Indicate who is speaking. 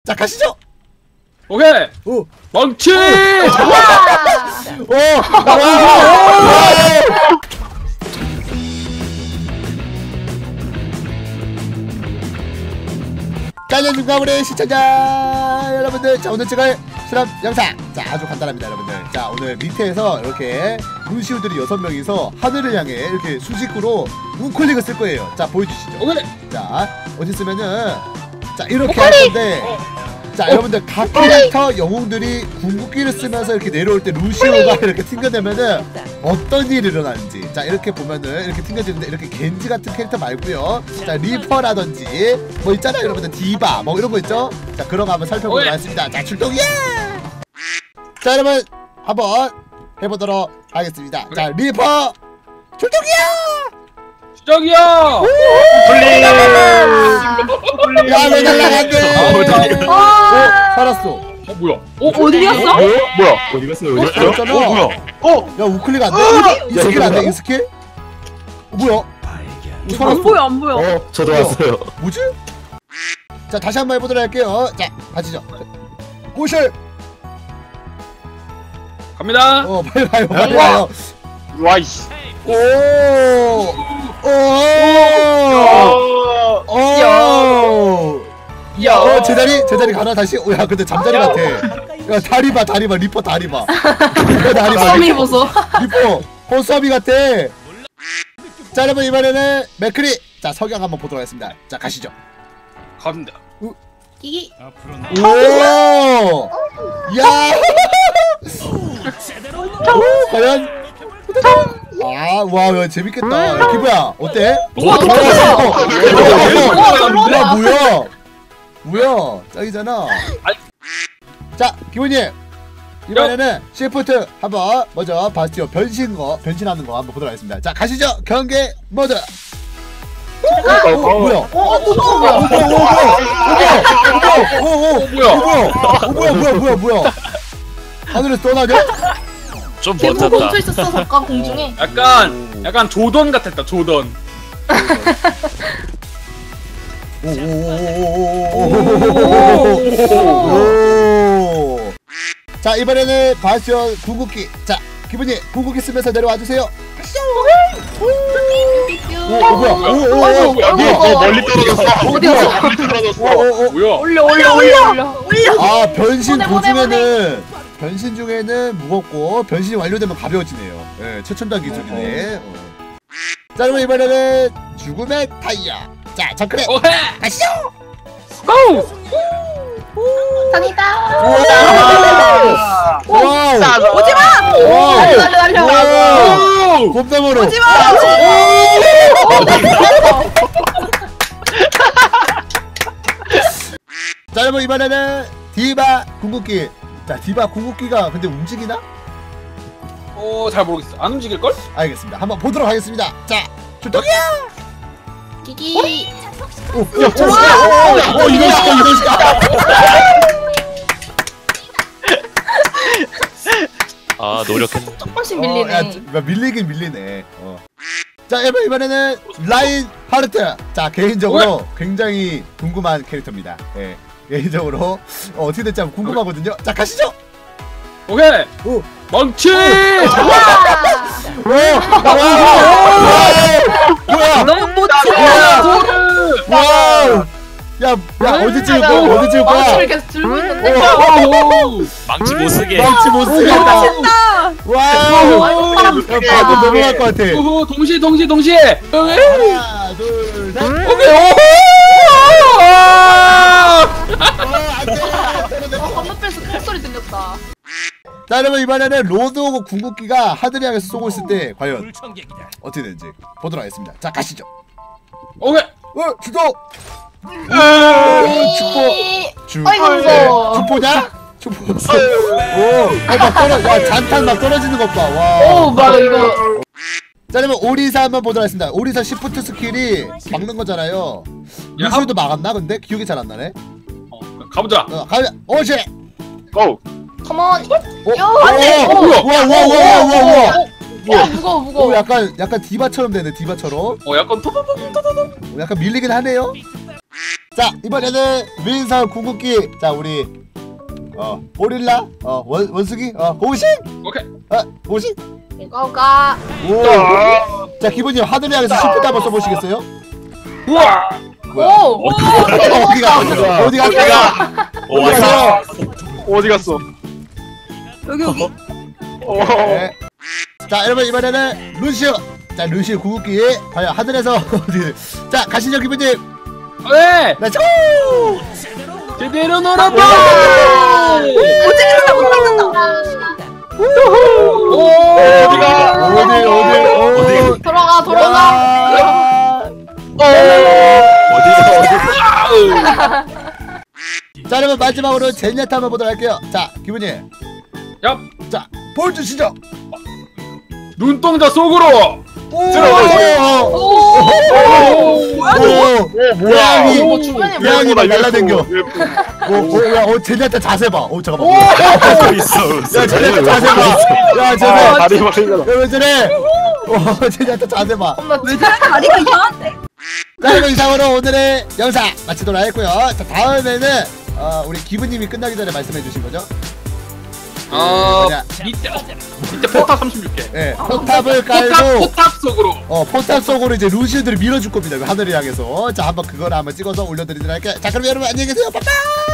Speaker 1: 자 가시죠.
Speaker 2: 오케이.
Speaker 1: 오.
Speaker 2: 망치.
Speaker 1: 깔려준가 우리 시청자 여러분들. 자 오늘 찍을 실험 영상 자 아주 간단합니다 여러분들. 자 오늘 밑에서 이렇게 루시우들이 6명이서 하늘을 향해 이렇게 수직으로 우클릭을 쓸 거예요. 자 보여주시죠.
Speaker 2: 오케이.
Speaker 1: 자 어디 쓰면은 자 이렇게 할 건데 자 여러분들 각 캐릭터 영웅들이 궁극기를 쓰면서 이렇게 내려올 때 루시오가 이렇게 튕겨내면은 어떤 일이 일어나는지 자 이렇게 보면은 이렇게 튕겨지는데 이렇게 겐지 같은 캐릭터 말고요 자 리퍼라든지 뭐 있잖아요 여러분들 디바 뭐 이런 거 있죠. 자 그런 거 한번 살펴보도록 하겠습니다. 자 출동이야. 자 여러분 한번 해보도록 하겠습니다. 자 리퍼 출동이야.
Speaker 2: 저기요.
Speaker 3: 플리.
Speaker 1: 야왜 날라간대. 살았어.
Speaker 2: 뭐야?
Speaker 4: 어디 갔어?
Speaker 3: 뭐야? 어디 갔어요? 어디 갔어요?
Speaker 1: 살았잖아.
Speaker 3: 뭐야?
Speaker 1: 야 우클릭 안 돼? 이 스킬 안 돼? 이 스킬? 뭐야?
Speaker 4: 안 보여 안 보여.
Speaker 3: 저도 왔어요.
Speaker 1: 뭐지? 자 다시 한번 해보도록 할게요. 자 가시죠. 고실.
Speaker 2: 갑니다.
Speaker 1: 빨리 가요 빨리 가요.
Speaker 3: 와이씨.
Speaker 1: 오. 제자리 가나 다시. 야 근데 잠자리 같아. 야 다리 봐 리퍼 다리 봐. 리퍼 다리 봐.
Speaker 4: 썸이 보소.
Speaker 1: 리퍼 호수아비 같아. 자 여러분 이번에는 맥크리. 자 석양 한번 보도록 하겠습니다. 자 가시죠.
Speaker 2: 갑니다.
Speaker 4: 끼기.
Speaker 1: 오! 야! 과연? 아, 와, 재밌겠다. 야, 기부야, 어때? 뭐야? 짱이잖아. 자, 기부님. 이번에는 시프트 한번 먼저 바스티오 변신하는 거 한번 보도록 하겠습니다. 자, 가시죠. 경계 모드. 뭐야? 뭐야? 하늘에서 떠나냐?
Speaker 3: 좀
Speaker 4: 대부분
Speaker 3: 멋졌다.
Speaker 4: 멈춰 있었어 잠깐 공중에.
Speaker 2: 약간 조던 같았다. 조던.
Speaker 1: 자 이번에는 바스티온 궁극기. 자 기분이 궁극기 쓰면서 내려와 주세요. 뭐야?
Speaker 3: 멀리 떨어졌어.
Speaker 4: 어디 갔어?
Speaker 3: 멀리 떨어졌어.
Speaker 2: 뭐야?
Speaker 4: 올려.
Speaker 1: 아 변신
Speaker 4: 보내.
Speaker 1: 변신 중에는 무겁고 변신이 완료되면 가벼워지네요. 예, 최첨단 기술이네. 자 그러면 이번에는 죽음의 타이어. 자 정크레 가시죠.
Speaker 2: 고!
Speaker 4: 다니다.
Speaker 1: 와우.
Speaker 4: 오지마. 날려.
Speaker 1: 겁나 멀어.
Speaker 4: 오지마.
Speaker 1: 자 여러분 이번에는 디바 궁극기. 자 디바 궁극기가 근데 움직이나?
Speaker 2: 잘 모르겠어. 안 움직일 걸?
Speaker 1: 알겠습니다. 한번 보도록 하겠습니다. 자 출동이야.
Speaker 4: 끼기.
Speaker 1: 이런 시까.
Speaker 3: 아 노력했네.
Speaker 4: 조금씩 밀리네.
Speaker 1: 밀리긴 밀리네. 자 여러분 이번에는 라인 하르트. 자 개인적으로 굉장히 궁금한 캐릭터입니다. 예, 개인적으로 어떻게 될지 한번 궁금하거든요. 자 가시죠.
Speaker 2: 오케이.
Speaker 1: 오.
Speaker 2: 망치.
Speaker 1: 뭐야?
Speaker 4: 너무 못
Speaker 1: 와우. 야 어디 찍을 거야? 어디 찍을 거야?
Speaker 4: 망치를 계속 들고 있는데.
Speaker 3: 망치 못 쓰게.
Speaker 1: 망치 못 쓰겠다. 와우. 방금 넘어갈 것 같아.
Speaker 2: 동시에.
Speaker 1: 하나, 둘, 셋.
Speaker 4: 건너편에서 큰 소리 들렸다.
Speaker 1: 자 여러분 이번에는 로드 오브 궁극기가 하늘을 향해서 쏘고 있을 때 과연 어떻게 되는지 보도록 하겠습니다. 자 가시죠.
Speaker 2: 오케이.
Speaker 1: 주도. 주포냐? 주포. 막 떨어. 야 잔탄 막 떨어지는 것 봐. 와.
Speaker 4: 맞아 이거.
Speaker 1: 자 그러면 오리사 한번 보도록 하겠습니다. 오리사 시프트 스킬이 막는 거잖아요. 루시우도 막았나 근데 기억이 잘 안 나네.
Speaker 2: 가보자.
Speaker 1: 가면 오지.
Speaker 3: 고.
Speaker 4: 컴온.
Speaker 1: 와.
Speaker 4: 무거워.
Speaker 1: 약간 디바처럼 되네. 디바처럼.
Speaker 2: 약간
Speaker 1: 약간 밀리긴 하네요. 자 이번에는 윈선 궁극기. 자 우리 오릴라 원숭이 고우식
Speaker 2: 오케이.
Speaker 1: 고우식.
Speaker 4: 고고가.
Speaker 1: 오. 자 기분님 하늘을 향해서 시프트 한번 써보시겠어요?
Speaker 2: 우와.
Speaker 4: 오.
Speaker 1: 어디가
Speaker 3: 오,
Speaker 1: 어디 가세요?
Speaker 3: 어디 갔어?
Speaker 4: 여기 여기.
Speaker 1: 네. 자 여러분 이번에는 루시오. 자 루시오 궁극기 과연 하늘에서 어디? 자 가시죠 기분님.
Speaker 2: 네.
Speaker 1: 렛츠
Speaker 2: 제대로 놀았다.
Speaker 4: 어떻게 못 맞는다.
Speaker 2: 오.
Speaker 1: 어디
Speaker 4: 돌아가.
Speaker 3: 어디가
Speaker 1: 자 여러분 마지막으로 제니아타 한번 보도록 할게요. 자 기분님.
Speaker 2: 얍.
Speaker 1: 자 보여주시죠.
Speaker 2: 눈동자 속으로.
Speaker 1: 들어가세요.
Speaker 3: 뭐야?
Speaker 1: 고양이 막 날라댕겨. 제니아타 자세 봐. 잠깐만.
Speaker 3: 있어.
Speaker 1: 야 제니아타 자세 봐. 야 제니아타
Speaker 3: 다리 막 생겨나.
Speaker 1: 왜 저래? 제니아타 자세 봐.
Speaker 4: 왜 다리가 이상한데?
Speaker 1: 자 이거 이상으로 오늘의 영상 마치도록 하겠고요. 자 다음에는 우리 기부님이 끝나기 전에 말씀해 주신 거죠? 뭐냐?
Speaker 2: 밑에 포탑 36개.
Speaker 1: 예, 포탑을 깔고
Speaker 2: 포탑 속으로.
Speaker 1: 포탑 속으로 이제 루시우들을 밀어줄 겁니다. 그 하늘을 향해서. 자 한번 그걸 한번 찍어서 올려드리도록 할게요. 자 그럼 여러분 안녕히 계세요. 빠빠.